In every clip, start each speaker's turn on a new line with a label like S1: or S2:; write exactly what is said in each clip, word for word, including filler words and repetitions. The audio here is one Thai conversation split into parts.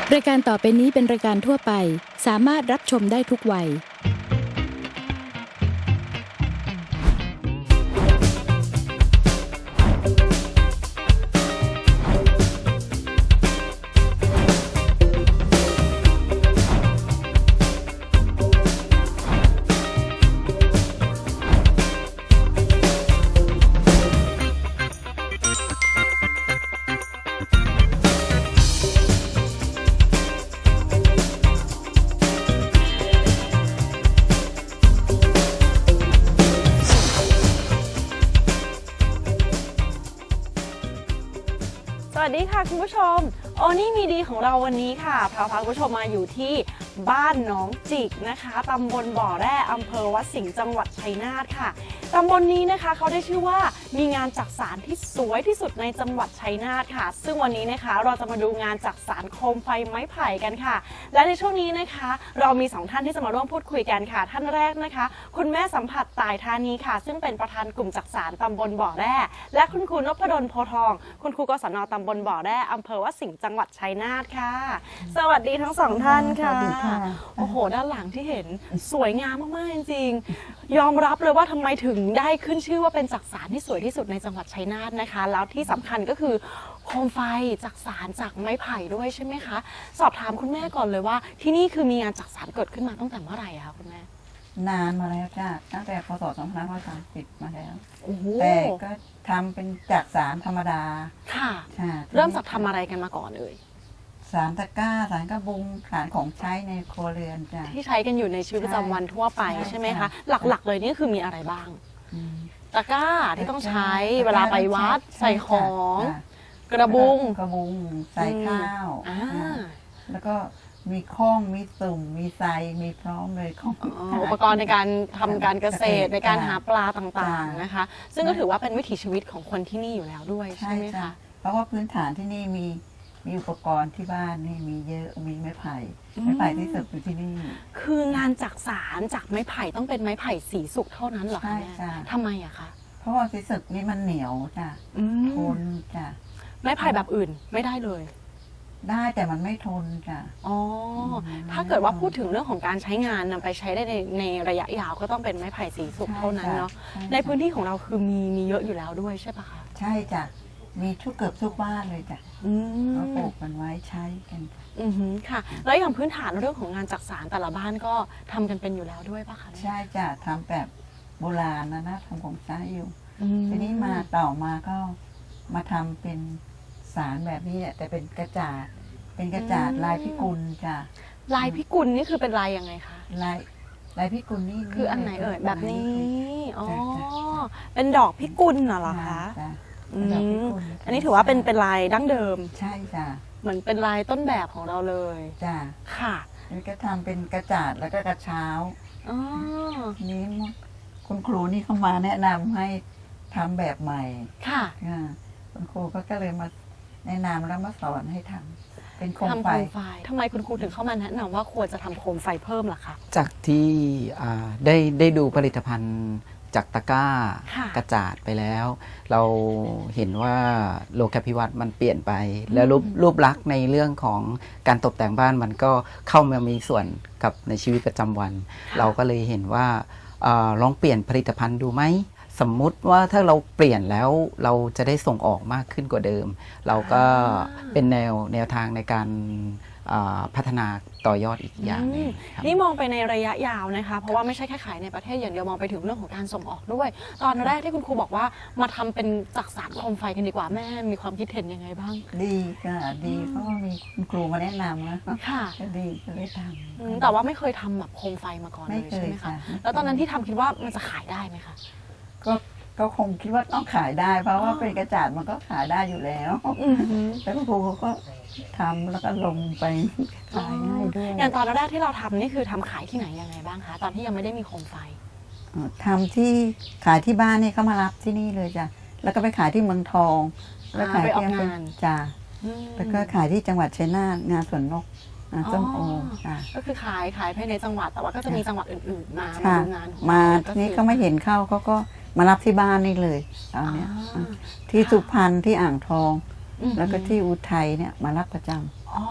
S1: รายการต่อไปนี้เป็นรายการทั่วไปสามารถรับชมได้ทุกวัย
S2: สวัสดีค่ะคุณผู้ชมโอนี่มีดีของเราวันนี้ค่ะพาพาคุณผู้ชมมาอยู่ที่บ้านหนองจิกนะคะตำบลบ่อแร่อำเภอวัดสิงห์จังหวัดชัยนาทค่ะตำบลนี้นะคะเขาได้ชื่อว่ามีงานจักสานที่สวยที่สุดในจังหวัดชัยนาทค่ะซึ่งวันนี้นะคะเราจะมาดูงานจักสานโคมไฟไม้ไผ่กันค่ะและในช่วงนี้นะคะเรามีสองท่านที่จะมาร่วมพูดคุยกันค่ะท่านแรกนะคะคุณแม่สัมผัสตายธานีค่ะซึ่งเป็นประธานกลุ่มจักสานตำบลบ่อแร่และคุณครูนพดลโพทองคุณครูกศน.ตำบลบ่อแร่อำเภอวัดสิงห์จังหวัดชัยนาทค่ะสวัสดีทั้งสองท่านค่ะโอ้โหด้านหลังที่เห็นสวยงามมากๆจริงๆยอมรับเลยว่าทำไมถึงได้ขึ้นชื่อว่าเป็นจักสานที่สวยที่สุดในจังหวัดชัยนาทนะคะแล้วที่สำคัญก็คือโคมไฟจักสานจากไม้ไผ่ด้วยใช่ไหมคะสอบถามคุณแม่ก่อนเลยว่าที่นี่คือมีงานจักสานเกิดขึ้นมาตั้งแต่เมื่อไหร่คะคุณแม่
S3: นานมาแล้วจ้ะตั้งแต่พศสองพันห้าร้อยสามสิบมาแล้ว
S2: โอ้โห
S3: แต่ก็ทำเป็นจักสานธรรมดา
S2: ค่ะ
S3: ใช่
S2: เริ่มจากทำอะไรกันมาก่อนเลย
S3: สารตะกร้าสารกระบุงสารของใช้ในครัวเรือนจ้ะ
S2: ที่ใช้กันอยู่ในชีวิตประจำวันทั่วไป
S3: ใช่
S2: ใช่ไหม
S3: ใช่
S2: คะหลักๆเลยนี่คือมีอะไรบ้าง
S3: อืม
S2: ตะกร้าที่ต้องใช้
S3: ตะกร้
S2: เวลาไปวัด
S3: ใช่
S2: ใส่ของ
S3: จ้ะ
S2: กระบุง
S3: กระบุงใส่ข้าว
S2: อ่า
S3: อ่าแล้วก็มีข้องมีสุ่มมีไซมีพร้อมเลยของ
S2: อ๋ออุปกรณ์ในการทำการเกษตร
S3: เกษตร
S2: ในการหาปลาต
S3: จ้ะ
S2: ่างๆนะคะ ซึ่งก็ถือว่าเป็นวิถีชีวิตของคนที่นี่อยู่แล้วด้วย
S3: ใช่
S2: ใช่ไหม
S3: จ้ะ
S2: คะ
S3: เพราะว่าพื้นฐานที่นี่มีมีอุปกรณ์ที่บ้านนี่มีเยอะมีไม้ไผ่
S2: อืม
S3: ไม้ไผ่ที่สุดอยู่ที่นี่
S2: คืองานจักสานจากไม้ไผ่ต้องเป็นไม้ไผ่สีสุกเท่านั้นเหรอ
S3: ใช่
S2: คะแม่
S3: จ้ะ
S2: ทำไมอะคะ
S3: เพราะว่าสีสุกนี่มันเหนียวจ้ะ
S2: อืม
S3: ทนจ้ะ
S2: ไม้ไผ่แบบอื่นไม่ได้เลย
S3: ได้แต่มันไม่ทนจ้ะ
S2: อ๋อ
S3: อืม
S2: ถ้าเกิดว่าพูดถึงเรื่องของการใช้งานนำไปใช้ได้ในในระยะยาวก็ต้องเป็นไม้ไผ่สีสุกเท่านั้นเนาะ
S3: ใช่จ้ะ
S2: ในพื้นที่ของเราคือมีมีเยอะอยู่แล้วด้วยใช่ปะคะ
S3: ใช่จ้ะมีทุกเกือบทุกบ้านเลยจ้ะ
S2: อื
S3: เราปลู
S2: ม
S3: กมันไว้ใช้กัน
S2: อือหือค่ะ แล้วอย่างพื้นฐานเรื่องของงานจักสานแต่ละบ้านก็ทำกันเป็นอยู่แล้วด้วยปะคะ
S3: ใช่จ้ะทำแบบโบราณนะนะทำของใช้อยู่
S2: อืม
S3: ทีนี้มาต่อมาก็มาทำเป็นสารแบบนี้แหละแต่เป็นกระจาดเป็นกระจาดลายพิกุลจ้ะ
S2: ลายพิกุลนี่คือเป็นลายยังไงคะ
S3: ลายลายพิกุลนี่
S2: คืออันไหนเอ่ยแบบนี้อ๋อ
S3: จ้ะจ้ะ
S2: เป็นดอกพิกุลน่ะเหรอคะ
S3: จ้ะ
S2: อื
S3: เป็นดอกพิ
S2: ม
S3: กุล
S2: อันนี้ถือว่าเป็นเป็นลายดั้งเดิม
S3: ใช่จ้ะ
S2: เหมือนเป็นลายต้นแบบของเราเลย
S3: จ้ะ
S2: ค่ะ
S3: แล้วก็ทำเป็นกระจาดแล้วก็กระเช้า
S2: อ๋อ
S3: นี้คุณครูนี่เข้ามาแนะนำให้ทำแบบใหม่
S2: ค่ะ
S3: อ่าคุณครูก็ก็เลยมาแนะนำแล้วมาสอนให้ทำเป็นโคม
S2: ทำ
S3: ไฟ
S2: โคมไฟทำไมคุณครูถึงเข้ามาแนะนำว่าควรจะทำโคมไฟเพิ่มล่ะคะ
S4: จากที่อ่าได้ได้ดูผลิตภัณฑ์จากตะกร้า
S2: ค่ะ
S4: กระจาดไปแล้ว เราเห็นว่าโลกาภิวัตน์มันเปลี่ยนไป แล้วรูปรูปลักษณ์ในเรื่องของการตกแต่งบ้านมันก็เข้ามามีส่วนกับในชีวิตประจำวัน เราก็เลยเห็นว่าอาลองเปลี่ยนผลิตภัณฑ์ดูไหมสมมุติว่าถ้าเราเปลี่ยนแล้วเราจะได้ส่งออกมากขึ้นกว่าเดิม เราก็
S2: อ่า
S4: เป็นแนวแนวทางในการอ่าพัฒนาต่อยอดอีกอย่างหนึง
S2: อืม
S4: ครับ
S2: นี่มองไปในระยะยาวนะคะ เพราะว่าไม่ใช่แค่ขายในประเทศอย่างเดียวมองไปถึงเรื่องของการส่งออกด้วย ตอนแรกที่คุณครูบอกว่ามาทำเป็นจักสานโคมไฟกันดีกว่าแม่มีความคิดเห็นยังไงบ้าง
S3: ดีค่ะดีเพราะว่ามีคุณครูมาแนะนำนะ
S2: ค่ะ
S3: ก็ดีก็เลยท
S2: อืมแต่ว่าไม่เคยทำแบบโคมไฟมาก่อน
S3: ำไม่
S2: เลย
S3: เค
S2: ใช่
S3: ย
S2: ไหมคะ
S3: ค่ะ
S2: แล้วตอนนั้นที่ทำคิดว่ามันจะขายได้ไหมคะ
S3: ก็ก็คงคิดว่าต้องขายได้ เพราะว่า
S2: อ๋อ
S3: เป็นกระจาดมันก็ขายได้อยู่แล้ว
S2: อือหือ
S3: แล้วคุณครูเขาก็ทำแล้วก็ลงไปขายง่ายด้วย
S2: อย่างตอนแรกที่เราทำนี่คือทำขายที่ไหนยังไงบ้างคะ ตอนที่ยังไม่ได้มีโคมไฟ
S3: อ่าทำที่ขายที่บ้านนี่เขามารับที่นี่เลยจ้ะแล้วก็ไปขายที่เมืองทอง แล้ว
S2: อ่า
S3: ขาย
S2: ไปออก
S3: ที่
S2: งาน
S3: จ้ะ
S2: อืม
S3: แล้วก็ขายที่จังหวัดชัยนาทงานสวนนกงานส้มโอ
S2: อ๋อ
S3: จ้ะ
S2: ก็คือขายขายภายในจังหวัดแต่ว่าก็จะมีจังหวัดอื่นๆ มามา
S3: ค่ะ
S2: ดูงานของ
S3: มา
S2: เร
S3: ทีนี้ก็ไม่เห็นเข้าเขาก็มารับที่บ้านนี่เลยตอนเนี้ย
S2: อ่า
S3: ที่สุพรรณที่อ่างทอง
S2: อืม
S3: แล้วก็ที่อุทัยเนี่ยมารับประจ
S2: อ๋อ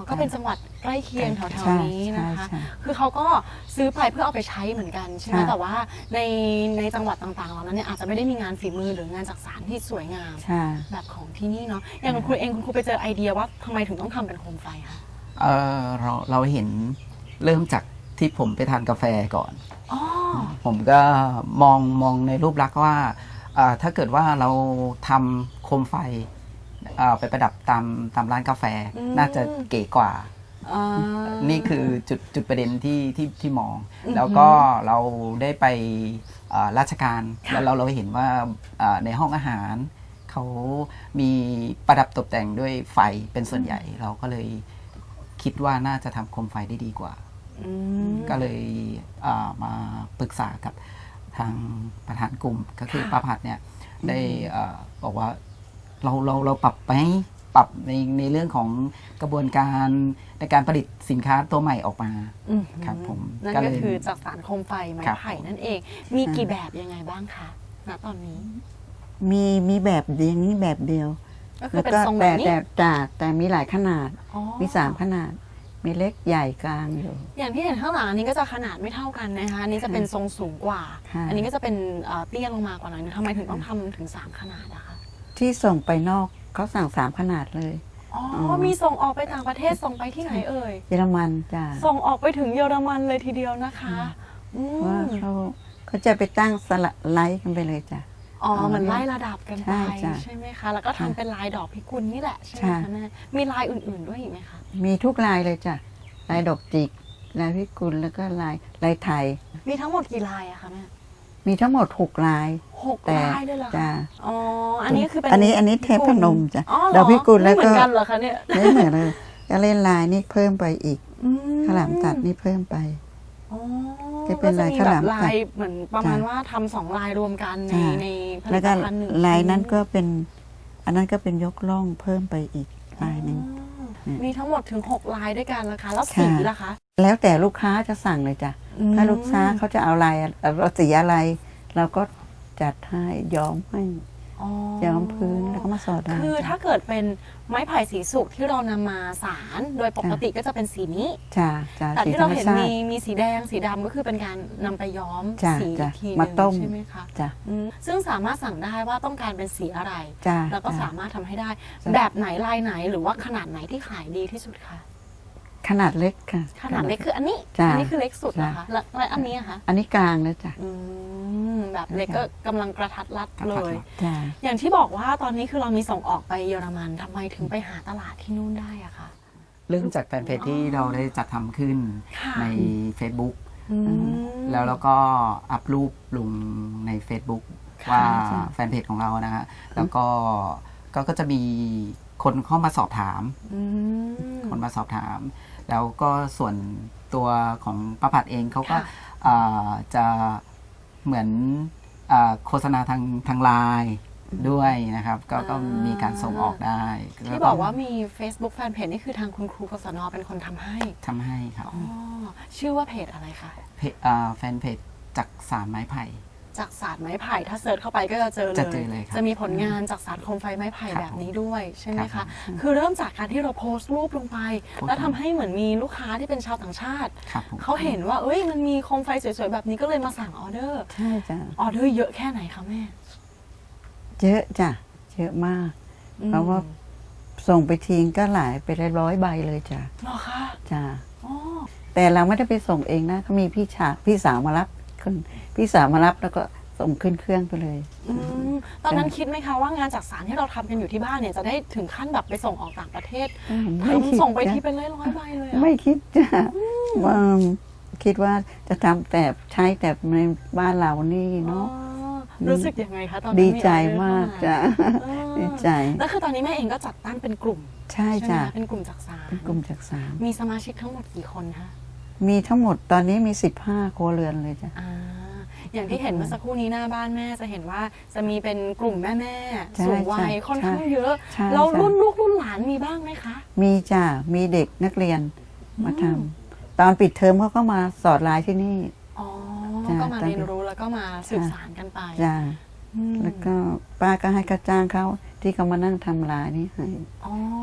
S2: ก็เป็นจังหวัดใกล้เคียงแถว
S3: ใช่
S2: ๆนี้นะคะ
S3: ใช่ใช่
S2: คือเขาก็ซื้อไปเพื่อเอาไปใช้เหมือนกันใช่ไหม
S3: ค่ะ
S2: แต่ว่าในในจังหวัดต่างๆเหล่านั้นเนี่ยอาจจะไม่ได้มีงานฝีมือหรืองานจักสานที่สวยงาม
S3: ใช่
S2: แบบของที่นี่เนาะ อย่างคุณครูเองคุณครูไปเจอไอเดียว่าทำไมถึงต้องทำเป็นโคมไฟคะ
S4: เอ่อเราเราเห็นเริ่มจากที่ผมไปทานกาแฟก่อน
S2: อ๋อ
S4: ผมก็มองมองในรูปลักษณ์ว่าอ่าถ้าเกิดว่าเราทำโคมไฟอ่าไปประดับตามตามร้านกาแฟ
S2: อืม
S4: น่าจะเก๋กว่า
S2: อ่า
S4: นี่คือจุดจุดประเด็นที่ที่ที่มอง
S2: อือหือ
S4: แล้วก็เราได้ไปอ่าราชการ
S2: ค่ะ
S4: แล้วเราเราเห็นว่าอ่าในห้องอาหาร เขามีประดับตกแต่งด้วยไฟเป็นส่วนใหญ่ เราก็เลยคิดว่าน่าจะทำโคมไฟได้ดีกว่า
S2: อืม
S4: ก็เลยอ่ามาปรึกษากับทางประธานกลุ่มก็คือ
S2: ค่ะ
S4: ป้าผัดเนี่ยได้อ่าบอกว่าเราเราเราปรับไหมปรับในในเรื่องของกระบวนการในการผลิตสินค้าตัวใหม่ออกมา
S2: อืม
S4: ครับผม
S2: นั่น
S4: ก็
S2: ก็
S4: เลย
S2: คือจักสานโคมไฟไม้
S4: ครับ
S2: ไผ่นั่นเอง มีกี่แบบยังไงบ้างคะณตอนนี้
S3: มีมีแบบเดียวนี้แบบเดียว
S2: ก็คือ
S3: แล้ว
S2: เป็น
S3: ก็
S2: ทรงแบ
S3: แต่
S2: บนี้
S3: แต่แต่แต่มีหลายขนาด
S2: อ๋อ
S3: มีสามขนาด มีเล็กใหญ่กลางอยู่
S2: อย่างที่เห็นข้างหลังอันนี้ก็จะขนาดไม่เท่ากันนะคะอันนี้จะเป็นทรงสูงกว่า
S3: ค่ะ
S2: อันนี้ก็จะเป็นเอ่อเตี้ยลงมากว่าหน่อยนึงทำไมถึงต้องทำถึงสามขนาดอะคะ
S3: ที่ส่งไปนอกเขาสั่งสามขนาดเลย
S2: อ๋อ
S3: อ
S2: มีส่งออกไปต่างประเทศส่งไปที่ไหนเอ่ย
S3: เยอรมันจ้ะ
S2: ส่งออกไปถึงเยอรมันเลยทีเดียวนะคะอืม
S3: ว่าเขาเขาจะไปตั้งสลักไลท์กันไปเลยจ้ะ
S2: อ๋อ
S3: เอา
S2: เหมือน
S3: ไว้
S2: ไล่ระดับกันไป
S3: ใช่จ้ะ
S2: ใช่ไหมคะ แล้วก็ทำ
S3: ค่ะ
S2: เป็นลายดอกพิกุลนี่แหละใช่ไหม
S3: ใช่
S2: คะแม่มีลายอื่นๆด้วยอีกไหมคะ
S3: มีทุกลายเลยจ้ะ ลายดอกจิก ลายพิกุลแล้วก็ลายลายไทย
S2: มีทั้งหมดกี่ลายอะคะแม่
S3: มีทั้งหมดหกลาย
S2: หก
S3: แต่
S2: ลายเลยเหรอคะ
S3: จ้ะ
S2: อ๋ออันนี้คือเป็น
S3: อันนี้อันนี้เทพพนมจ้ะ
S2: อ๋อเหรอ
S3: ดอกพิกุลแล้วก็
S2: ไม่เหมือนกันเหรอคะเนี่ย
S3: ไม่เหมือนเลยก็เล่นลายนี่เพิ่มไปอีก
S2: อื
S3: ข้าวหลามตัดนี่เพิ่มไป
S2: อ๋อ
S3: จะเป็นลาย
S2: ก็จะ
S3: ข้าวหลาม
S2: แบบ
S3: ตัด
S2: ลายเหมือนประมาณ
S3: จ้ะ
S2: ว่าทำสองลายรวมกันใน
S3: จ้ะ
S2: ในผลิ
S3: แล้ว
S2: ต
S3: ก็
S2: ภัณฑ์หนึ่ง
S3: ลายนั้นก็เป็น อันนั้นก็เป็นยกล่องเพิ่มไปอีกลายหนึ่ง
S2: อ๋อมีทั้งหมดถึงหกลายด้วยกันนะคะ แล้ว
S3: ค่ะ
S2: สีล่ะคะ
S3: แล้วแต่ลูกค้าจะสั่งเลยจ้ะ ถ้าลูกค้าเขาจะเอาลายเราสีอะไร เราก็จัดให้ย้อมให้
S2: อ๋อ
S3: ย้อมพื้นแล้วก็มาสอดลาย
S2: คือ
S3: จ้ะ
S2: ถ้าเกิดเป็นไม้ไผ่สีสุกที่เรานำมาสารโดยปกติก็จะเป็นสีนี้
S3: จ้ะจ้ะ
S2: แต่
S3: สี
S2: ที่
S3: ธร
S2: เรา
S3: รม
S2: เห็น
S3: ชา
S2: มี
S3: ติ
S2: มีสีแดงสีดำก็คือเป็นการนำไปย้อม
S3: จ้ะ
S2: สีอี
S3: จ้ะ
S2: กทีห
S3: มา
S2: นึง
S3: ต้ม
S2: ใช่ไหมคะ
S3: จ้ะ
S2: อืมซึ่งสามารถสั่งได้ว่าต้องการเป็นสีอะไร
S3: จ้ะ
S2: แล้วก็
S3: จ้ะ
S2: สามารถทำให้ได้
S3: จ้ะ
S2: แบบไหนลายไหนหรือว่าขนาดไหนที่ขายดีที่สุดคะ
S3: ขนาดเล็กค่ะ
S2: ขนาดเล็กคืออันนี้
S3: จ้ะ
S2: อันี้คือเล็กสุด
S3: จ้ะ
S2: นะคะแล้วแล้วอันนี้อะคะ
S3: อันนี้กลางเลยจ้ะ
S2: อืมแบบเล็กก็กำลังกระทัดรัดเลย
S3: จ้ะ
S2: อย่างที่บอกว่าตอนนี้คือเรามีส่งออกไปเยอรมันทำไมถึงไปหาตลาดที่นู่นได้อะคะ
S4: เริ่มจากแฟนเพจที่เราได้จัดทำขึ้น
S2: ค่ะ
S4: ใน Facebook
S2: อืม
S4: แล้วเราก็อัพรูปลงใน Facebook
S2: ค่ะ
S4: ว่า
S3: ใช่
S4: แฟนเพจของเรานะฮะแล้วก็ก็ก็จะมีคนเข้ามาสอบถาม
S2: อืม
S4: คนมาสอบถาม แล้วก็ส่วนตัวของประผัดเองเขาก็
S2: ค่ะ
S4: อ่าจะเหมือนอาโฆษณาทางทางไลน์ด้วยนะครับ ก็ก็มีการส่งออกได้
S2: ที่บอกว่ามี Facebook Fanpage นี่คือทางคุณครูกศนเป็นคนทำให้
S4: ทำให้ครับ
S2: อ๋อชื่อว่าเพจอะไรคะ
S4: เพจอ่าแฟนเพจจักสารไม้ไผ่
S2: จากศาสตร์ไม้ไผ่ถ้าเซิร์ชเข้าไปก็จะเจอเลย
S4: จะเจอเลยครับ
S2: จะมีผลงานจากศาสตร์โคมไฟไม้ไผ่
S4: ครับ
S2: แบบนี้ด้วยใช่ไหม
S4: ครั
S2: คะ
S4: บ
S2: คือเริ่มจากการที่เราโพสต์รูปลงไป
S4: โพสต์
S2: แล้วทำให้เหมือนมีลูกค้าที่เป็นชาวต่างชาติ
S4: ครับผม
S2: เขาเห็นว่าเอ้ยมันมีโคมไฟสวยๆแบบนี้ก็เลยมาสั่งออเดอร์
S3: ใช่จ้ะ
S2: ออเดอร์เยอะแค่ไหนคะแม่
S3: เยอะจ้ะเยอะมาก
S2: อืม
S3: เพราะว่า ส่งไปทิ้งก็หลายไปร้อยใบเลยจ้ะ
S2: เหรอคะ
S3: จ้ะ
S2: อ๋อ
S3: แต่เราไม่ได้ไปส่งเองนะเขามีพี่ชาพี่สาวมารับขึ้นพี่สาวมารับแล้วก็ส่งขึ้นเครื่องไปเลย
S2: อืมตอนนั้นคิดไหมคะว่างานจากสารที่เราทำกันอยู่ที่บ้านเนี่ยจะได้ถึงขั้นแบบไปส่งออกต่างประเทศ
S3: ไม่คิด
S2: ส่งไป
S3: จ้ะ
S2: ทีเป็นร้อยร้อยๆใบเลยอะ
S3: ไม่คิดจ้ะว่าคิดว่าจะทำแต่ใช้แต่ในบ้านเรานี่
S2: อ๋อ
S3: เนาะ
S2: รู้สึกยังไงคะตอนนั้น
S3: ดีใจ
S2: ออเดอร์
S3: มาก
S2: เข้
S3: จ้ะ
S2: เออ
S3: ดีใจ
S2: แล้วคือตอนนี้แม่เองก็จัดตั้งเป็นกลุ่ม
S3: ใช่
S2: ใช่ไหม
S3: จ้ะ
S2: คะเป็นกลุ่มจากสาร
S3: เป็นกลุ่มจากสาม
S2: มีสมาชิกทั้งหมดกี่คนคะ
S3: มีทั้งหมดตอนนี้มีสิบห้าครัวเรือนเลยจ้ะ
S2: อ่าอย่างที่เห็นเมื่อสักครู่นี้หน้าบ้านแม่จะเห็นว่าจะมีเป็นกลุ่มแม่แม่ๆ
S3: ใช่
S2: สูงวัย
S3: ใช่
S2: ค่อนข้างเยอะ
S3: ใช่
S2: แล้ว
S3: จ้ะ
S2: รุ่นลูกรุ่นหลานมีบ้างไหมคะ
S3: มีจ้ะมีเด็กนักเรียนมาทำตอนปิดเทอมเขาก็มาสอดลายที่นี่
S2: อ๋อ
S3: จ้ะ
S2: ก็มา
S3: ตอน
S2: เรียนรู้แล้วก็มาสืบสานกันไป
S3: จ้ะ
S2: อืม
S3: แล้วก็ป้าก็ให้ค่าจ้างเขาที่เขามานั่งทำลายนี่ให้
S2: อ๋อ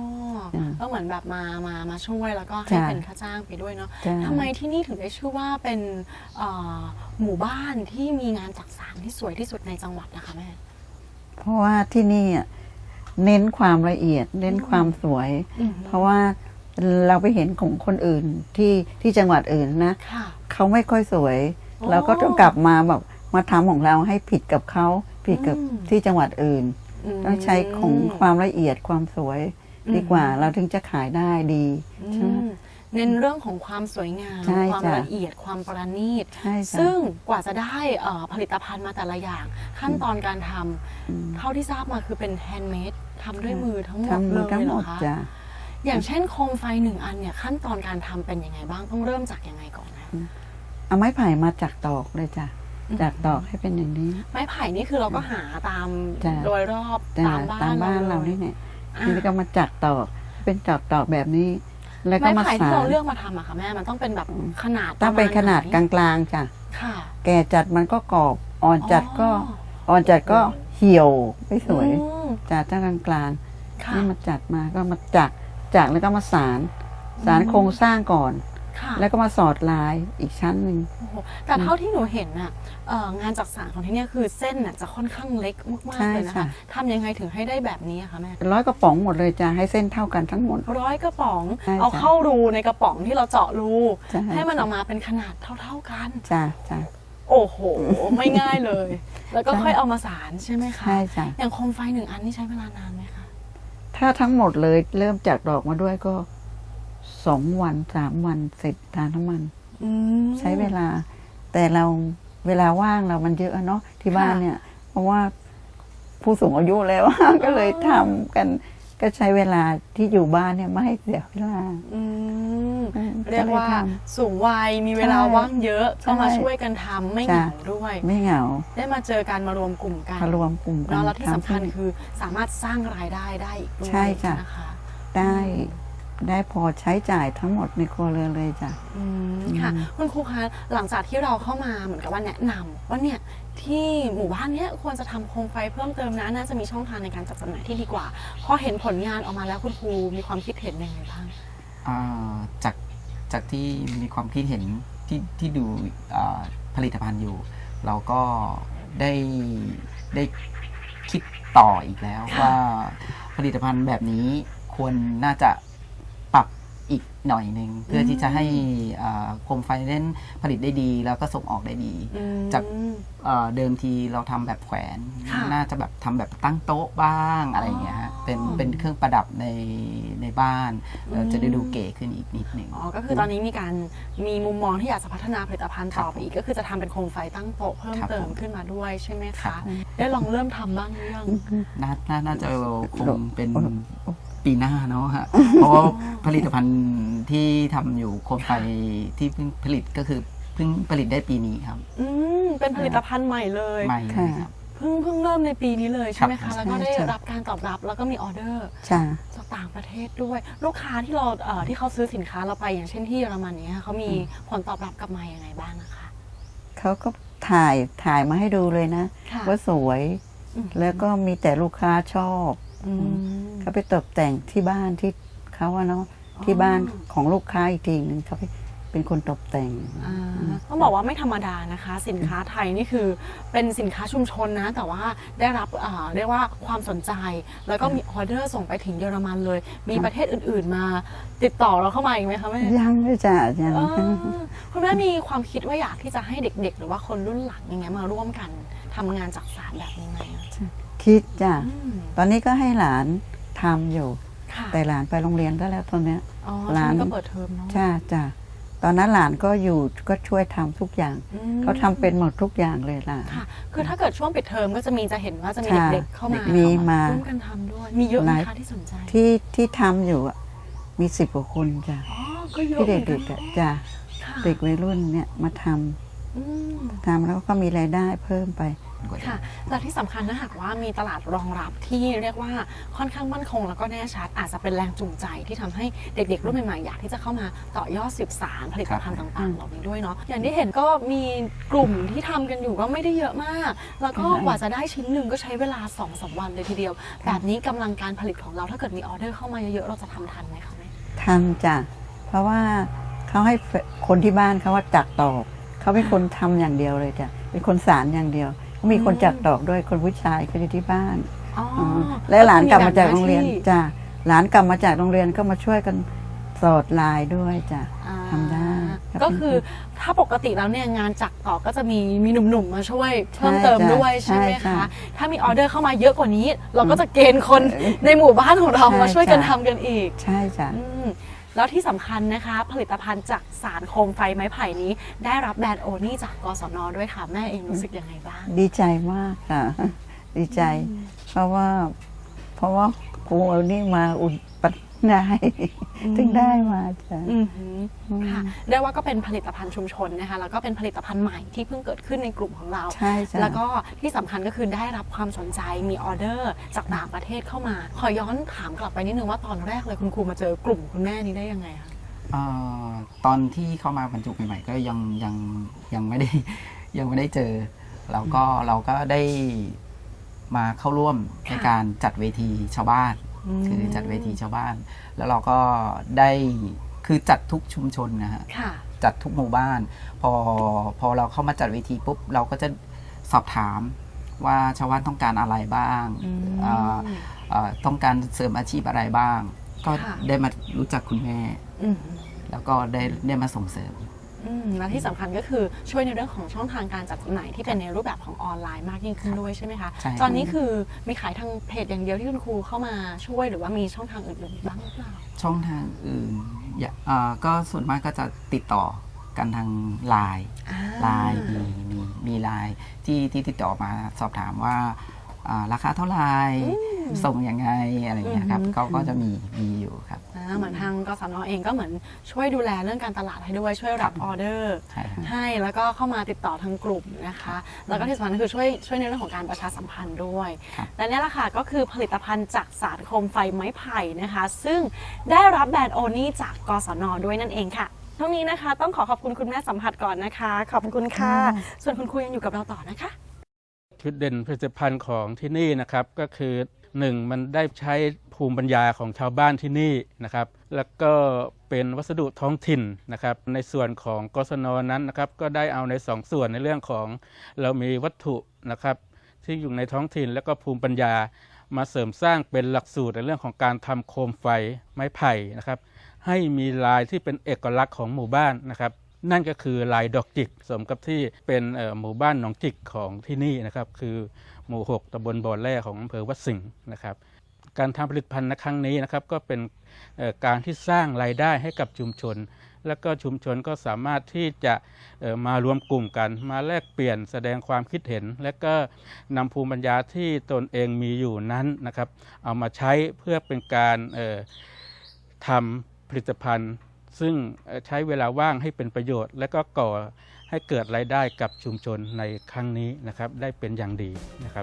S3: จ้ะ
S2: ก็เหมือนแบบมามามาช่วยแล้วก็ให้
S3: จ้ะ
S2: เป็นค่าจ้างไปด้วยเนาะ
S3: จ้ะ
S2: ทำไมที่นี่ถึงได้ชื่อว่าเป็นเอ่อหมู่บ้านที่มีงานจักสานที่สวยที่สุดในจังหวัดนะคะแม่
S3: เพราะว่าที่นี่อ่ะเน้นความละเอียด เน้นความสวย
S2: อืม
S3: เพราะว่าเราไปเห็นของคนอื่นที่ที่จังหวัดอื่นนะ
S2: ค่ะ
S3: เขาไม่ค่อยสวย
S2: โอ้
S3: เราก็ต้องกลับมาแบบมาทำของเราให้ผิดกับเขาผิดกับ
S2: อืม
S3: ที่จังหวัดอื่น
S2: ม
S3: ต้องใช้ของความละเอียดความสวย
S2: อืม
S3: ดีกว่าเราถึงจะขายได้ดีใช่ไหม
S2: อืมเน้นเรื่องของความสวยงาม
S3: ใช่
S2: ความ
S3: จ้ะ
S2: ละเอียดความประณีต
S3: ใช่จ้ะ
S2: ซึ่งกว่าจะได้เอ่อผลิตภัณฑ์มาแต่ละอย่าง ขั้นตอนการทำ
S3: อืม
S2: เท่าที่ทราบมาคือเป็นแฮนด์เมดทำด้วยมือทั้งหมด
S3: ทำ
S2: เล
S3: มาย ทั้ง
S2: เห
S3: ห
S2: ร
S3: ม
S2: อ
S3: ด
S2: คะ
S3: จ้ะ
S2: อย่างเช่นโคมไฟหนึ่งอันเนี่ยขั้นตอนการทำเป็นยังไงบ้างต้องเริ่มจากยังไงก่อนนะ
S3: เอาไม้ไผ่มาจากตอกเลยจ้ะ
S2: อืม
S3: จากตอกให้เป็นอย่างนี้
S2: ไม้ไผ่นี่คือเราก็หาตาม
S3: จ้ะ
S2: โดยรอบ
S3: จ้ะ
S2: ตามบ้าน
S3: ตามบ้านเรา
S2: ลย
S3: นี่เนี่ย
S2: อ่า
S3: นี่ก็มาจากตอกเป็นจากตอกแบบนี้ แล้วก็
S2: ไม้
S3: มา
S2: ไผ่
S3: สา
S2: ที่เรา
S3: น
S2: เลือกมาทำอะค่ะแม่มันต้องเป็นแบบขนาด
S3: ต้องเป็น
S2: ระมณ
S3: ขนาด
S2: ไห
S3: กลางๆจ้ะ
S2: ค่ะ
S3: แก่จัดมันก็กรอบ อ่อนจัดก็
S2: อ๋อ
S3: อ่อนจัดก็เหี่ยวไม่สวย
S2: อืม
S3: จ้ะถ้ากลางกลาง
S2: ค่ะ
S3: นี่มาจัดมาก็มาจักจักแล้วก็มาสารสารโครงสร้างก่อน
S2: ค่ะ
S3: แล้วก็มาสอดลายอีกชั้นหนึ่ง
S2: โอ้โหแต่เท่าที่หนูเห็นน่ะเอ่องานจักสานของที่เนี่ยคือเส้นน่ะจะค่อนข้างเล็กมาก
S3: ใช่
S2: ๆเลยนะคะ
S3: ค่ะ
S2: ทำยังไงถึงให้ได้แบบนี้อะคะแม่
S3: ร้อยกระป๋องหมดเลยจ้ะให้เส้นเท่ากันทั้งหมด
S2: ร้อยกระป๋อง
S3: ใช่
S2: เอา
S3: จ้ะ
S2: เข้ารูในกระป๋องที่เราเจาะรู
S3: ใช่
S2: ให้มันออกมาเป็นขนาดเท่า ๆกัน
S3: จ้ะจ้ะ
S2: โอ้โห ไม่ง่ายเลย แล้วก็
S3: ใช่
S2: ค่อยเอามาสารใช่ไหมคะ
S3: ใช่จ้ะ
S2: อย่างโคมไฟหนึ่งอันนี่ใช้เวลานานไหมคะ
S3: ถ้าทั้งหมดเลยเริ่มจากดอกมาด้วยก็สองวันสามวันเสร็จทานทั้งมัน
S2: อืม
S3: ใช้เวลา แต่เราเวลาว่างเรามันเยอะเนาะที่บ้าน
S2: ค่ะ
S3: เนี่ย เพราะว่าผู้สูงอายุแล้ว ก็เลยทำกันก็ใช้เวลาที่อยู่บ้านเนี่ยไม่ให้เสียเวลา
S2: อืม
S3: อืม
S2: เรียกว่า
S3: ก็ลท
S2: สูงวัยมีเวลา
S3: ใช่
S2: ว่างเยอะก็มา
S3: ใช่
S2: ช่วยกันทำไม่เห
S3: จ้ะ
S2: งาด้วย
S3: ำไม่เหงา
S2: ได้มาเจอกันมารวมกลุ่มกัน
S3: มารวมกลุ่มกัน
S2: เนาะแล้วที่สำคัญ
S3: ทำ
S2: คือสามารถสร้างรายได้ได้อีกด้วย
S3: ใช่จ้ะ
S2: นะคะ
S3: ได้ได้พอใช้จ่ายทั้งหมดในครัวเรือนเลยจ้ะ
S2: อืมค่ะคุณครูคะหลังจากที่เราเข้ามาเหมือนกับว่าแนะนำว่าเนี่ยที่หมู่บ้านเนี้ยควรจะทำโคมไฟเพิ่มเติมนะน่าจะมีช่องทางในการจัดจำหน่ายที่ดีกว่าพอเห็นผลงานออกมาแล้วคุณครูมีความคิดเห็นยังไงบ้าง
S4: อ่าจากจากที่มีความคิดเห็นที่ที่ดูอ่าผลิตภัณฑ์อยู่ เราก็ได้ได้คิดต่ออีกแล้ว
S2: ค่ะ
S4: ว่าผลิตภัณฑ์แบบนี้ควรน่าจะปรับอีกหน่อยหนึ่งเพื่อที่จะให้อ่าโคมไฟเล่นผลิตได้ดี แล้วก็ส่งออกได้ดี
S2: อืม
S4: จาก เอ่อเดิมทีเราทำแบบแขวน
S2: ค่ะ
S4: น่าจะแบบทำแบบตั้งโต๊ะบ้างอะไรอย่างเงี้ยฮะเป็น
S2: อ๋อ
S4: เป็นเครื่องประดับในในบ้านเอ่ออ
S2: ม
S4: จะได้ดูเก๋ขึ้นอีกนิดหนึ่ง
S2: อ๋อก็คือตอนนี้มีการมีมุมมองที่อยากจะพัฒนาผลิตภัณฑ์
S4: ครับ
S2: ต่อไปอีกก็คือจะทำเป็นโคมไฟตั้งโต๊ะเพิ่ม
S4: ครับ
S2: เติม
S4: ผม
S2: ขึ้นมาด้วยใช่ไหม
S4: ครั
S2: คะ
S4: บ
S2: ได้ลองเริ่มทำบ้างหรือยัง
S4: น่าน่าน่าจะคงเป็นปีหน้าเนาะฮะ เพราะว่าผลิตภัณฑ์ที่ทำอยู่โคมไฟที่เพิ่งผลิตก็คือเพิ่งผลิตได้ปีนี้ครับ
S2: อืมเป็นผลิตภัณฑ์ใหม่เลย
S4: ใหม่เลยครับ
S2: เพิ่งเพิ่งเริ่มในปีนี้เลยใช่ไหม
S4: ครั
S2: คะ
S4: บ
S2: แล้วก็ได้
S3: ใช่
S2: รับการตอบรับแล้วก็มีออเดอร์
S3: จ้ะ
S2: จากต่างประเทศด้วย ลูกค้าที่เราเอ่อที่เขาซื้อสินค้าเราไปอย่างเช่นที่เยอรมันเนี้ยเขามีผลตอบรับกลับมาอย่างไรบ้างนะคะ
S3: เขาก็ถ่ายถ่ายมาให้ดูเลยนะ
S2: ค่ะ
S3: ว่าสวย
S2: อืม
S3: แล้วก็มีแต่ลูกค้าชอบ
S2: อืม
S3: เขาไปตกแต่งที่บ้านที่เขาอะเนาะที่บ้านของลูกค้าอีกทีหนึงเขาไปเป็นคนตกแต่ง
S2: อ่าต้องบอกว่าไม่ธรรมดานะคะ สินค้าไทยนี่คือเป็นสินค้าชุมชนนะ แต่ว่าได้รับอ่าเรียกว่าความสนใจ แล้วก็มีออเดอร์ส่งไปถึงเยอรมันเลย มีประเทศอื่น ๆ มาติดต่อเราเข้ามาอีกไหมคะแม่
S3: ยังเลยจ้ะยัง
S2: เออคุณแม่มีความคิดว่าอยากที่จะให้เด็ก ๆ หรือว่าคนรุ่นหลังอย่างเงี้ยมาร่วมกันทำงานจักสานแบบนี้ไหมอะ
S3: คิดจ้ะ
S2: อืม
S3: ตอนนี้ก็ให้หลานทำอยู่
S2: ค่ะ
S3: แต่หลานไปโรงเรียนได้แล้วตอนเนี้ย
S2: อ๋อ
S3: หลาน
S2: ช่วงนี้ก็เปิดเทอมเนาะ
S3: จ้ะจ้ะตอนนั้นหลานก็อยู่ก็ช่วยทำทุกอย่าง
S2: อืม
S3: เขาทำเป็นหมดทุกอย่างเลยล่ะ
S2: ค่ะ คือถ้าเกิดช่วงปิดเทอมก็จะมีจะเห็นว่าจะมี
S3: ค่ะ
S2: เด็กๆเข้ามา
S3: มีมา
S2: ร่วมกันทำด้วย มีเยอะไหม
S3: หลาย
S2: คะที่สนใจ
S3: ที่ที่ทำอยู่อะมีสิบกว่าคนจ้ะ
S2: อ๋อ ก็เยอะ
S3: ที่
S2: หมื
S3: เด็
S2: อน
S3: กๆ
S2: กัน
S3: อะจ้ะ
S2: ค่ะ
S3: เด็กวัยรุ่นเนี่ยมาทำ
S2: อืม
S3: ทำแล้วก็มีรายได้เพิ่มไป
S4: กว่าเดิ
S2: ค่ะ
S4: ม
S2: และที่สำคัญนะหากว่ามีตลาดรองรับที่เรียกว่าค่อนข้างมั่นคงแล้วก็แน่ชัดอาจจะเป็นแรงจูงใจที่ทำให้เด็กๆรุ่นใหม่ๆอยากที่จะเข้ามาต่อยอดสืบสานผลิตภัณฑ์ต่างๆเหล่านี้ด้วยเนาะอย่างที่เห็นก็มีกลุ่มที่ทำกันอยู่ก็ไม่ได้เยอะมาก แล้วก็กว่าจะได้ชิ้นหนึ่งก็ใช้เวลา สองถึงสาม วันเลยทีเดียว แบบนี้กำลังการผลิตของเราถ้าเกิดมีออเดอร์เข้ามาเยอะๆเราจะทำทันไหมคะแม่
S3: ทำจ้ะเพราะว่าเขาให้คนที่บ้านเขาว่าจักตอกเขาเป็นคนทำอย่างเดียวเลยจ้ะเป็นคนสารอย่างเดียวเขามีคนจักตอกด้วยคนผู้ชายเขาอยู่ที่บ้าน
S2: อ๋อ
S3: และหลานกลับมาจากโรงเรียน
S2: ก็คือมีแบ่งหน้าที่
S3: จ้ะหลานกลับมาจากโรงเรียนก็มาช่วยกันสอดลายด้วยจ้ะ
S2: อ่า
S3: ทำได้
S2: ก็คือถ้าปกติแล้วเนี่ยงานจักรต่อก็จะมีมีหนุ่มๆมาช่วยเพิ่มเติมด้วยใช่ไหม
S3: ใช่
S2: คะ
S3: ค่ะ
S2: ถ้ามีออเดอร์เข้ามาเยอะกว่านี้ เราก็จะเกณฑ์คนในหมู่บ้านของเรามาช่วยกันทำกันอีก
S3: ใช่จ้ะ
S2: อืมแล้วที่สำคัญนะคะ ผลิตภัณฑ์จากสารโคมไฟไม้ไผ่นี้ ได้รับแบรนด์โอนี่จากกสนด้วยค่ะ แม่เองรู้สึกยังไงบ้าง
S3: ดีใจมากค่ะ ดีใจ เพราะว่า เพราะว่าครูเอานี่มาอุ่นปัดได้
S2: อืม
S3: ถึงได้มาจ้ะ
S2: อือหือค่ะเรียกว่าก็เป็นผลิตภัณฑ์ชุมชนนะคะแล้วก็เป็นผลิตภัณฑ์ใหม่ที่เพิ่งเกิดขึ้นในกลุ่มของเรา
S3: ใช่จ้ะ
S2: แล้วก็ที่สำคัญก็คือได้รับความสนใจมีออเดอร์จากต่างประเทศเข้ามา ขอย้อนถามกลับไปนิดนึงว่าตอนแรกเลยคุณครูมาเจอกลุ่มคุณแม่นี้ได้ยังไงคะ
S4: เอ่อตอนที่เข้ามาบรรจุใหม่ๆก็ยังยังยังไม่ได้ ยังไม่ได้เจอเราก็เราก็ได้มาเข้าร่วมในการจัดเวทีชาวบ้าน คือจัดเวทีชาวบ้าน แล้วเราก็ได้คือจัดทุกชุมชนนะฮะ
S2: ค่ะ
S4: จัดทุกหมู่บ้าน พอพอเราเข้ามาจัดเวทีปุ๊บเราก็จะสอบถามว่าชาวบ้านต้องการอะไรบ้าง
S2: อืม
S4: เอ่อเอ่อต้องการเสริมอาชีพอะไรบ้าง ก็
S2: ค่ะ
S4: ได้มารู้จักคุณแม่
S2: อืม
S4: แล้วก็ได้ได้มาส่งเสริม
S2: อืมและที่สำคัญก็คือช่วยในเรื่องของช่องทางการจัดจำหน่ายที่เป็นในรูปแบบของออนไลน์มากยิ่งขึ้นด้วยใช่ไหมคะ
S4: ใช่ครับ
S2: ตอนนี้คือมีขายทางเพจอย่างเดียวที่คุณครูเข้ามาช่วยหรือว่ามีช่องทางอื่นๆบ้างหรือเปล่า
S4: ช่องทางอื่นอย่าเอ่อก็ส่วนมากก็จะติดต่อกันทางไลน์
S2: อ่า
S4: ไลน์มีมีมีไลน์ที่ที่ติดต่อมาสอบถามว่าอ่าราคาเท่าไหร่ส่งยังไงอะไรอย่างเงี้ยครับ
S2: อืม
S4: ก็ก็จะมีมีอยู่ครับ
S2: อ่าเหมือนทางกสนเองก็เหมือนช่วยดูแลเรื่องการตลาดให้ด้วยช่วยรับออเดอร์
S4: ใช่ครับ
S2: ให้แล้วก็เข้ามาติดต่อทางกลุ่มนะคะ แล้วก็ที่สำคัญคือช่วยช่วยในเรื่องของการประชาสัมพันธ์ด้วย
S4: ครับ
S2: และนี่แหละค่ะก็คือผลิตภัณฑ์จากสารโคมไฟไม้ไผ่นะคะ ซึ่งได้รับแบรนด์โอนี่จากกสนด้วยนั่นเองค่ะทั้งนี้นะคะต้องขอขอบคุณคุณแม่สัมผัสก่อนนะคะ ขอบคุณค่ะ ส่วนคุณครูยังอยู่กับเราต่อนะคะ
S5: จุดเด่นผลิตภัณฑ์ของที่นี่นะครับก็คือหนึ่งมันได้ใช้ภูมิปัญญาของชาวบ้านที่นี่นะครับแล้วก็เป็นวัสดุท้องถิ่นนะครับในส่วนของกศนนั้นนะครับก็ได้เอาในสองส่วนในเรื่องของเรามีวัตถุนะครับที่อยู่ในท้องถิ่นแล้วก็ภูมิปัญญามาเสริมสร้างเป็นหลักสูตรในเรื่องของการทำโคมไฟไม้ไผ่นะครับให้มีลายที่เป็นเอกลักษณ์ของหมู่บ้านนะครับนั่นก็คือลายดอกจิกสมกับที่เป็นหมู่บ้านหนองจิกของที่นี่นะครับคือหมู่หกตำบลบ่อแร่ของอำเภอวัดสิงห์นะครับการทำผลิตภัณฑ์ในครั้งนี้นะครับก็เป็นการที่สร้างรายได้ให้กับชุมชน แล้วก็ชุมชนก็สามารถที่จะมารวมกลุ่มกันมาแลกเปลี่ยนแสดงความคิดเห็น และก็นำภูมิปัญญาที่ตนเองมีอยู่นั้นนะครับเอามาใช้เพื่อเป็นการทำผลิตภัณฑ์ซึ่งใช้เวลาว่างให้เป็นประโยชน์ และก็ก่อให้เกิดรายได้กับชุมชนในครั้งนี้นะครับได้เป็นอย่างดีนะครับ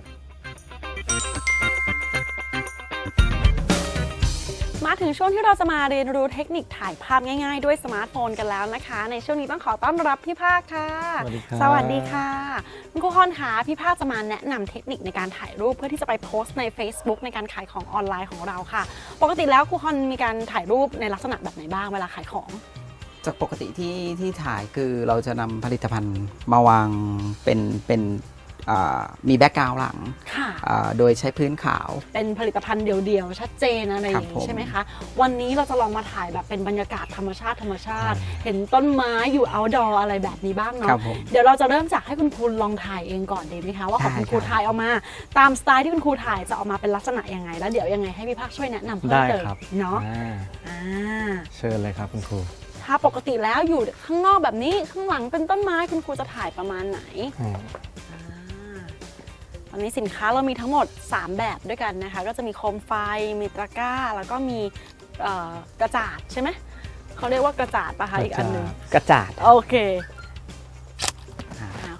S2: มาถึงช่วงที่เราจะมาเรียนรู้เทคนิคถ่ายภาพง่ายๆด้วยสมาร์ทโฟนกันแล้วนะคะ ในช่วงนี้ต้องขอต้อนรับพี่ภาคค่ะ
S5: สวัสดีครับ
S2: สวัสดีค่ะคุณครูคอนคะพี่ภาคจะมาแนะนำเทคนิคในการถ่ายรูปเพื่อที่จะไปโพสต์ใน Facebook ในการขายของออนไลน์ของเราค่ะปกติแล้วครูคอนมีการถ่ายรูปในลักษณะแบบไหนบ้างเวลาขายของ
S4: จากปกติที่ที่ถ่ายคือเราจะนำผลิตภัณฑ์มาวางเป็นเป็นอ่ามีแบ็กกราวด์หลัง
S2: ค่ะ
S4: อ่าโดยใช้พื้นขาว
S2: เป็นผลิตภัณฑ์เดี่ยวๆชัดเจนอะไรอย่าง
S4: ครับผ
S2: นี้
S4: ม
S2: ใช่ไหมคะ วันนี้เราจะลองมาถ่ายแบบเป็นบรรยากาศธรรมชาติธรรมชาติ เห็นต้นไม้อยู่ outdoor อะไรแบบนี้บ้าง
S4: ครั
S2: เนาะ
S4: บผม
S2: เดี๋ยวเราจะเริ่มจากให้คุณครูลองถ่ายเองก่อนดีไหมคะว่าของ
S4: ได้
S2: คุณครู
S4: ครับ
S2: ถ่ายออกมา ตามสไตล์ที่คุณครูถ่ายจะออกมาเป็นลักษณะยังไง แล้วเดี๋ยวยังไงให้พี่ภาคช่วยแนะนำเพิ่ม
S6: ได้
S2: เติม
S6: ครับ
S2: เนาะ
S6: อ่า
S2: อ่า
S6: เชิญเลยครับคุณครู
S2: ถ้าปกติแล้วอยู่ข้างนอกแบบนี้ข้างหลังเป็นต้นไม้คุณครูจะถ่ายประมาณไหน
S6: อืม
S2: อ่าตอนนี้สินค้าเรามีทั้งหมดสามแบบด้วยกันนะคะ ก็จะมีโคมไฟ มีตะกร้า แล้วก็มีเอ่อกระจาดใช่ไหม เขาเรียกว่ากระจาดปะคะอีกอันหนึ่ง
S6: กระจาด
S2: โอเค
S4: อ่า
S2: อ่า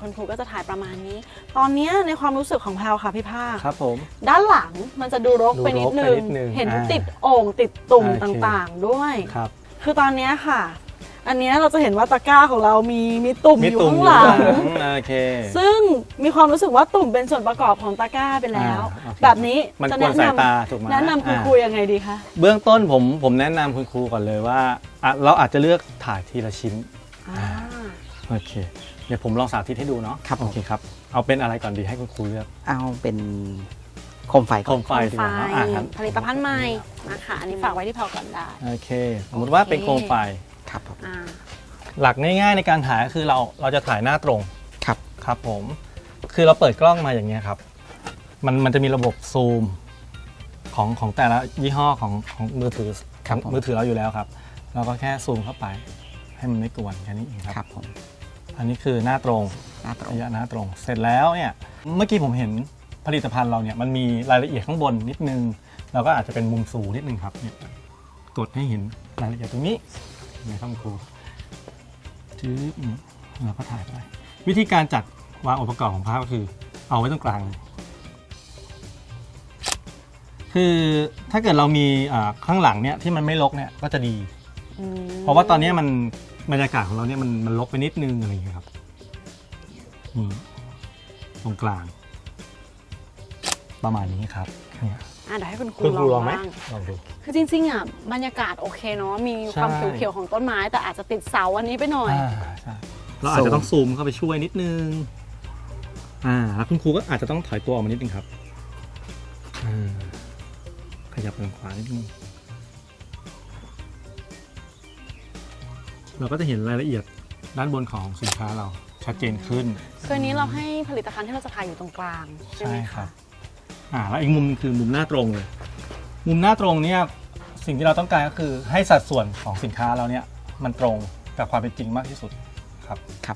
S2: คุณครูก็จะถ่ายประมาณนี้ ตอนเนี้ยในความรู้สึกของแพลวค่ะพี่ภาค
S6: ครับผม
S2: ด้านหลังมันจะดูรกไปนิด
S6: ดู
S2: นึ
S6: รก
S2: ง
S6: ไปนิดนึง
S2: เห็น
S6: อ่า
S2: ติดโอ่งติดตุ่ม
S6: โอเค
S2: ต่างๆด้วย
S6: ครับ
S2: คือตอนเนี้ยค่ะ อันเนี้ยเราจะเห็นว่าตะกร้าของเรามีมีตุ่ม
S6: มี
S2: อยู่
S6: ตุ่ม
S2: ข้าง
S6: อยู่
S2: หลัง
S6: ข้างหลังโอเค
S2: ซึ่งมีความรู้สึกว่าตุ่มเป็นส่วนประกอบของตะกร้าไปแล้ว
S6: อ่าโอเค
S2: แบบนี้
S6: มัน
S2: จะ
S6: กวน
S2: แนะ
S6: สาย
S2: น
S6: ตาถูกไหม
S2: ำแนะนำคุณ
S6: อ่า
S2: ครูยังไงดีคะ
S6: เบื้องต้นผมผมแนะนำคุณครูก่อนเลยว่าอ่ะเราอาจจะเลือกถ่ายทีละชิ้น
S2: อ่า
S6: โอเค เดี๋ยวผมลองสาธิตให้ดูเนาะ
S4: ครับผม
S6: โอเคครับ เอาเป็นอะไรก่อนดีให้คุณครูเลือก
S4: เอาเป็นโคมไฟ
S6: โค
S4: ก่อน
S6: มไฟดีกว่าเนอะอ่ะงั้น
S2: ผลิตภัณฑ์ใหม่นะคะอันนี้ฝากไว้ที่แพลวก่อนได้
S6: โอเค สมมติว่าเป็นโคมไฟ
S4: ครับผม
S2: อ่า
S6: หลักง่ายๆในการถ่ายก็คือเราเราจะถ่ายหน้าตรง
S4: ครับ
S6: ครับผม คือเราเปิดกล้องมาอย่างเงี้ยครับ มันมันจะมีระบบซูมของของแต่ละยี่ห้อของของมือถือ
S4: ครับผม
S6: มือถือเราอยู่แล้วครับ เราก็แค่ซูมเข้าไป ให้มันไม่กวนแค่นี้เองครับ
S4: ครับผม
S6: อันนี้คือหน้าตรง
S4: หน้าตรง
S6: ระยะหน้าตรง เสร็จแล้วเนี่ยเมื่อกี้ผมเห็นผลิตภัณฑ์เราเนี่ยมันมีรายละเอียดข้างบนนิดนึงเราก็อาจจะเป็นมุมสูงนิดนึงครับเนี่ยกดให้เห็นรายละเอียดตรงนี้นะครับครูจื๊บนี่เราก็ถ่ายไปวิธีการจัดวางองค์ประกอบของภาพก็คือเอาไว้ตรงกลางเลยคือถ้าเกิดเรามีอ่าข้างหลังเนี่ยที่มันไม่รกเนี่ยก็จะดี
S2: อืม
S6: เพราะว่าตอนนี้มันบรรยากาศของเราเนี่ยมันมันลกไปนิดนึงอะไรอย่างเงี้ยครับนี่ตรงกลาง ประมาณนี้ครับเนี่ย
S2: อ่ะเดี๋ยวให้คุณครู
S6: คุณครู
S2: ล
S6: ล
S2: อ
S6: อง งไหม
S2: บ้าง
S6: ลองดู
S2: คือจริงๆอ่ะบรรยากาศโอเคเนาะมีความ
S6: ใช่
S2: เขียวๆของต้นไม้ แต่อาจจะติดเสาอันนี้ไปหน่อย
S6: อ่าใช่เราอาจจะต้องซูมเข้าไปช่วยนิดนึงอ่าแล้วคุณครูก็อาจจะต้องถอยตัวออกมานิดนึงครับอ่าขยับไปทางขวานิดนึงเราก็จะเห็นรายละเอียดด้านบนของสินค้าเราชัดเจนขึ้น
S2: คืออันนี้เราให้ผลิตภัณฑ์ที่เราจะถ่ายอยู่ตรงกลางใช่ไหม
S6: ใช่ครั
S2: คะ
S6: บ อ่าแล้วอีกมุมคือมุมหน้าตรงเลย มุมหน้าตรงเนี่ยสิ่งที่เราต้องการก็คือให้สัดส่วนของสินค้าเราเนี่ยมันตรงกับความเป็นจริงมากที่สุดครับ
S4: ครับ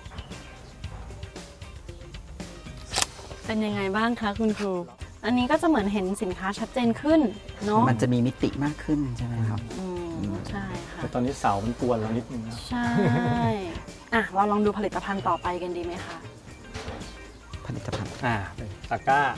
S2: เป็นยังไงบ้างคะคุณครู อันนี้ก็จะเหมือนเห็นสินค้าชัดเจนขึ้นเนาะ
S4: มันจะมีมิติมากขึ้นใช่ไหมครับ
S2: อืมใช่ค่ะ
S6: แต่ตอนนี้เสามันกวนเรานิดนึงนะ
S2: ใช่ อ่ะเราลองดูผลิตภัณฑ์ต่อไปกันดีไหมคะ
S4: ผลิตภัณฑ์
S6: อ่าเป็นตะกร้า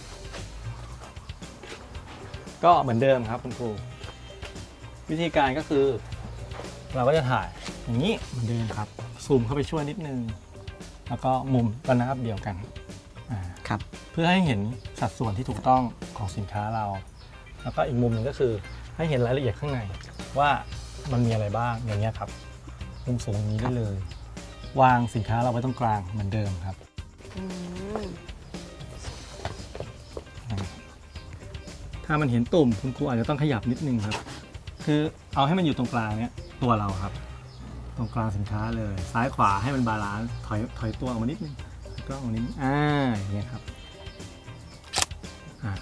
S6: ก็เหมือนเดิมครับคุณครู วิธีการก็คือ เราก็จะถ่ายอย่างนี้เหมือนเดิมครับ ซูมเข้าไปช่วยนิดนึง แล้วก็มุมระนาบเดียวกันอ่า
S4: ครับ
S6: เพื่อให้เห็นสัดส่วนที่ถูกต้องของสินค้าเรา แล้วก็อีกมุมหนึ่งก็คือให้เห็นรายละเอียดข้างในว่ามันมีอะไรบ้างอย่างเงี้ยครับ มุมสูงอย่างนี้ได้เลย วางสินค้าเราไว้ตรงกลางเหมือนเดิมครับ
S2: อืม
S6: ถ้ามันเห็นตุ่มคุณครูอาจจะต้องขยับนิดนึงครับ คือเอาให้มันอยู่ตรงกลางเนี้ยตัวเราครับ ตรงกลางสินค้าเลย ซ้ายขวาให้มันบาลานซ์ถอยถอยตัวออกมานิดนึงแล้วก็ออกมานิดนึงอ่าอย่างเงี้ยครับอ่า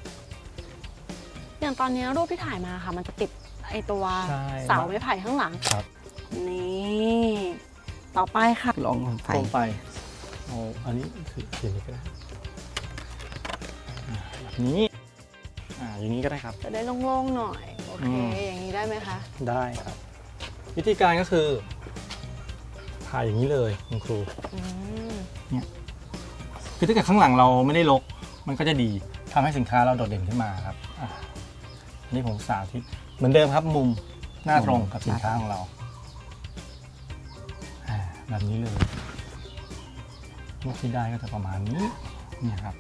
S2: อย่างตอนนี้รูปที่ถ่ายมาค่ะ มันจะติดไอตัว
S6: ใช่
S2: เสาไม้ไผ่ข้างหลัง
S6: ครับ
S2: นี่ต่อไปค่ะ
S4: ลองโคมไฟ
S6: โคมไฟเอาอันนี้คือเขียนนี้ก็ได้อ่าแบบนี้อ่าอย่างนี้ก็ได้ครับ
S2: จะได้โล่งๆหน่อย โอเค
S6: อืม
S2: อย่างนี้ได้ไหมคะ
S6: ได้ครับ วิธีการก็คือถ่ายอย่างนี้เลยคุณครู
S2: อืม
S6: คือถ้าเกิดข้างหลังเราไม่ได้รกมันก็จะดีทำให้สินค้าเราโดดเด่นขึ้นมาครับอ่ะอันนี่ผมสาธิตเหมือนเดิมครับ มุมหน้าตรงกับสินค้าของเราอ่าแบบนี้เลยรูปที่ได้ก็จะประมาณนี้นี่ครับ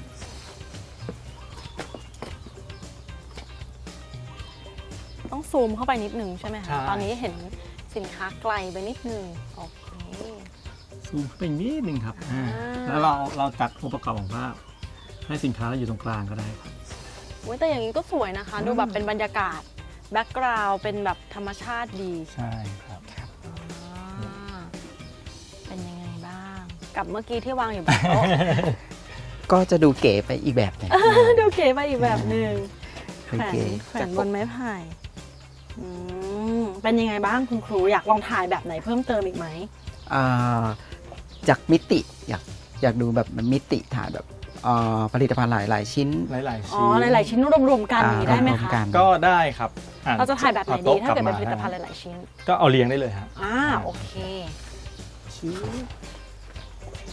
S2: ต้องซูมเข้าไปนิดนึงใช่ไหม
S6: ใช่
S2: คะ ตอนนี้เห็นสินค้าไกลไปนิดนึงโอเค
S6: ซูมเข้าไปนิดนึงครับอ่า
S2: อ่า
S6: แล้วเราเราจัดองค์ประกอบของภาพให้สินค้าเราอยู่ตรงกลางก็ได้ครับ
S2: อุ๊ยแต่อย่างนี้ก็สวยนะคะ ดูแบบเป็นบรรยากาศแบ็กกราวด์เป็นแบบธรรมชาติดี
S6: ใช่ครับ
S2: อ่าเป็นยังไงบ้าง กับเมื่อกี้ที่วางอยู่บนโต๊ะ
S4: ก็จะดูเก๋ไปอีกแบบหนึง
S2: ดูเก๋ไปอีกแบบหนึ่ง
S4: ดู
S2: แขวน
S4: เก๋
S2: แขวนบนไม้ไผ่อืมเป็นยังไงบ้างคุณครูอยากลองถ่ายแบบไหนเพิ่มเติมอีกไหม
S4: อ่าจากมิติอยากอยากดูแบบมันมิติถ่ายแบบอ่าผลิตภัณฑ์หลายหลายๆชิ้น
S6: หลายๆ
S2: อ๋อ
S6: ชิ้น
S2: หลาย ๆ ชิ้นรวม ๆ กันอย่างนี้ได้ไหม
S4: รว
S2: คะ
S4: กัน
S6: ก็ได้ครับอ่
S2: เราจะถ่ายแบบไหน
S6: อ
S2: ดี
S6: โต๊ะ
S2: ถ้าเกิดเป็น
S6: ลับ
S2: ผลิต
S6: ม
S2: ภัณฑ์หลาย ๆ ชิ้น
S6: ก็เอาเรียงได้เลยฮะ
S2: อ่าโอเค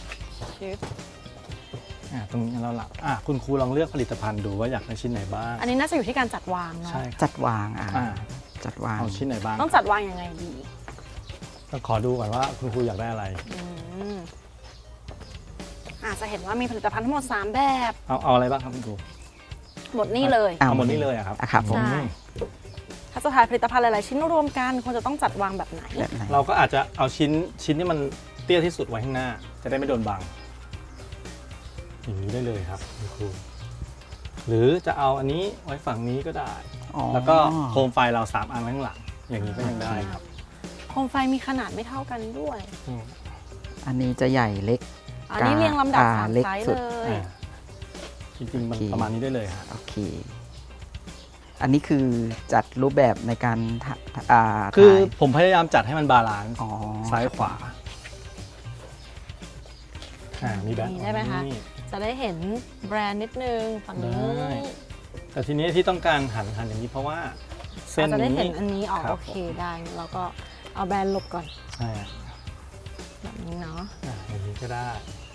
S2: ชิป
S6: อ่าตรงนี้เราหลับอ่ะคุณครูลองเลือกผลิตภัณฑ์ดูว่าอยากได้ชิ้นไหนบ้าง
S2: อันนี้น่าจะอยู่ที่การจัดวางเนาะ
S6: ใช่ครับ
S4: จัดวางอ่า
S6: อ่า
S4: จัดวาง
S6: เอาชิ้นไหนบ้าง
S2: ต้องจัดวางยังไงดี
S6: ต้องขอดูก่อนว่าคุณครูอยากได้อะไร
S2: อืมอาจจะเห็นว่ามีผลิตภัณฑ์ทั้งหมดสามแบบ
S6: เอาเอาอะไรบ้างครับคุณครู
S2: หมดนี่เลย
S6: เอาหมดนี่เลยอะครับ
S4: อ่ะครับผม
S2: ใช่ ถ้าจะถ่ายผลิตภัณฑ์หลายๆชิ้นรวมกันควรจะต้องจัดวางแบบไหน
S4: แบบไหน
S6: เราก็อาจจะเอาชิ้นชิ้นที่มันเตี้ยที่สุดไว้ข้างหน้า จะได้ไม่โดนบังอย่างนี้ได้เลยครับคุณครูหรือจะเอาอันนี้ไว้ฝั่งนี้ก็ได้
S4: อ๋อ
S6: แล้วก็โคมไฟเราสามอันไว้ข้างหลังอย่างนี้ก็ยังได้ครับ
S2: โคมไฟมีขนาดไม่เท่ากันด้วย
S6: อืม
S4: อันนี้จะใหญ่เล็ก
S2: อันนี้เรียงลำดับ
S4: อ่า
S2: สาม
S4: เล็ก
S2: ไซส์
S4: สุด
S2: เลย
S6: อ่าจริงๆมัน
S4: โอเค
S6: ประมาณนี้ได้เลยครับ
S4: โอเค อันนี้คือจัดรูปแบบในการถ่าอ่า
S6: คือ
S4: ถ่าย
S6: ผมพยายามจัดให้มันบาลานซ์
S4: อ๋อ
S6: ซ้ายขวาอ่ามีแบบ
S2: นี่ได้ไหมคะ
S6: นี่
S2: จะได้เห็นแบรนด์นิดนึงฝั่งนี้
S6: ได้ แต่ทีนี้ที่ต้องการหันหันอย่างนี้เพราะว่าเส้น
S2: เราจะได้
S6: นี้
S2: เห็นอันนี้ออก
S6: ครับ
S2: โอเคได้แล้วก็เอาแบรนด์หลบก่อน
S6: ใช่อ่ะ
S2: แบบนี้เนาะ
S6: อ่ะอย่างนี้ก็ได้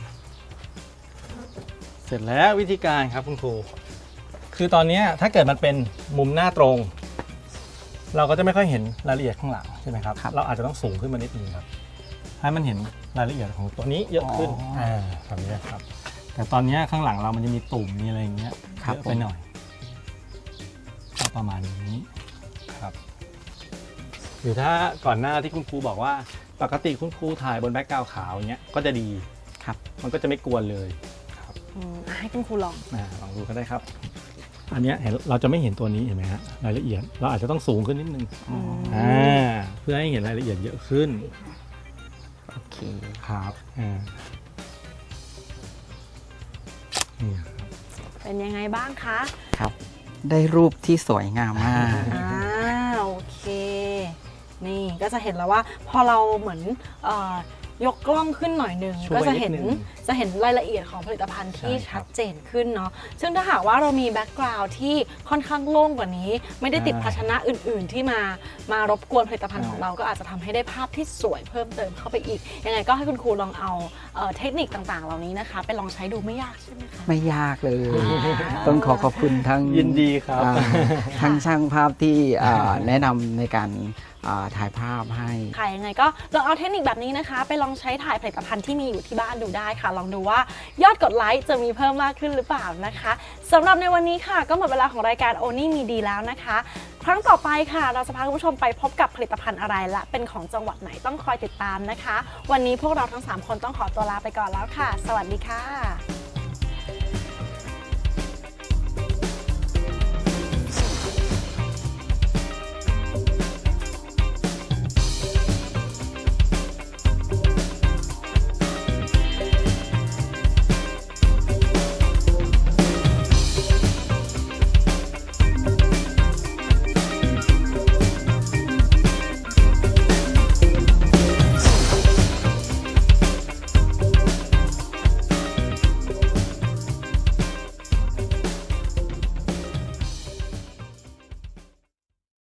S6: เสร็จแล้ววิธีการครับคุณครู คือตอนเนี้ยถ้าเกิดมันเป็นมุมหน้าตรง เราก็จะไม่ค่อยเห็นรายละเอียดข้างหลังใช่ไหมครับ
S4: ครับ
S6: เราอาจจะต้องสูงขึ้นมานิดนึงครับ ให้มันเห็นรายละเอียดของตัวนี้เยอะขึ้น
S4: อ๋ออ่
S6: าแบบนี้ครับ แต่ตอนเนี้ยข้างหลังเรามันจะมีตุ่มมีอะไรอย่างเงี้ย
S4: ครับ
S6: เยอะไปหน่อยก็ประมาณนี้ครับ หรือถ้าก่อนหน้าที่คุณครูบอกว่าปกติคุณครูถ่ายบนแบ็คกราวด์ขาวอย่างเงี้ยก็จะดี
S4: ครับ
S6: มันก็จะไม่กวนเลยครับ
S2: อืมให้คุณครูลอง
S6: อ่าลองดูก็ได้ครับ อันเนี้ยเห็นเราจะไม่เห็นตัวนี้เห็นไหมฮะรายละเอียดเราอาจจะต้องสูงขึ้นนิดนึง
S4: อ๋อ
S6: อ่าเพื่อให้เห็นรายละเอียดเยอะขึ้น
S4: โอเค
S6: ครับอ่านี่ครับ
S2: เป็นยังไงบ้างคะ
S4: ครับ ได้รูปที่สวยงามมาก
S2: อ่าโอเค นี่ก็จะเห็นแล้วว่าพอเราเหมือนเออยกกล้องขึ้นหน่อยหนึ่ง
S6: ช่วย
S2: ก็จะเห็น
S6: นิดนึง
S2: จะเห็นรายละเอียดของผลิตภัณฑ์ที่
S6: ใช่ครับ
S2: ชัดเจนขึ้นเนาะซึ่งถ้าหากว่าเรามีแบ็กกราวด์ที่ค่อนข้างโล่งกว่านี้ ไม่ได้ติด
S6: ใช่
S2: ภาชนะอื่น ๆ ที่มามารบกวนผลิตภัณฑ์
S6: ใช่
S2: ของเราก็อาจจะทำให้ได้ภาพที่สวยเพิ่มเติมเข้าไปอีกยังไงก็ให้คุณครูลองเอาเอ่อเทคนิคต่างๆ เหล่านี้นะคะ ไปลองใช้ดูไม่ยากใช่ไหมคะ
S4: ไม่ยากเลย
S2: อ่า
S4: ต้องขอขอบคุณทั้ง
S6: ยินดีครับ
S4: อ่าทั้งช่างภาพที่อ่าแนะนำในการอ่าถ่ายภาพให้
S2: ค่ะยังไงก็ลองเอาเทคนิคแบบนี้นะคะ ไปลองใช้ถ่ายผลิตภัณฑ์ที่มีอยู่ที่บ้านดูได้ค่ะ ลองดูว่ายอดกดไลค์จะมีเพิ่มมากขึ้นหรือเปล่านะคะสำหรับในวันนี้ค่ะ ก็หมดเวลาของรายการโอนี่มีดีแล้วนะคะ ครั้งต่อไปค่ะ เราจะพาคุณผู้ชมไปพบกับผลิตภัณฑ์อะไรและเป็นของจังหวัดไหนต้องคอยติดตามนะคะ วันนี้พวกเราทั้งสามคนต้องขอตัวลาไปก่อนแล้วค่ะ สวัสดีค่ะ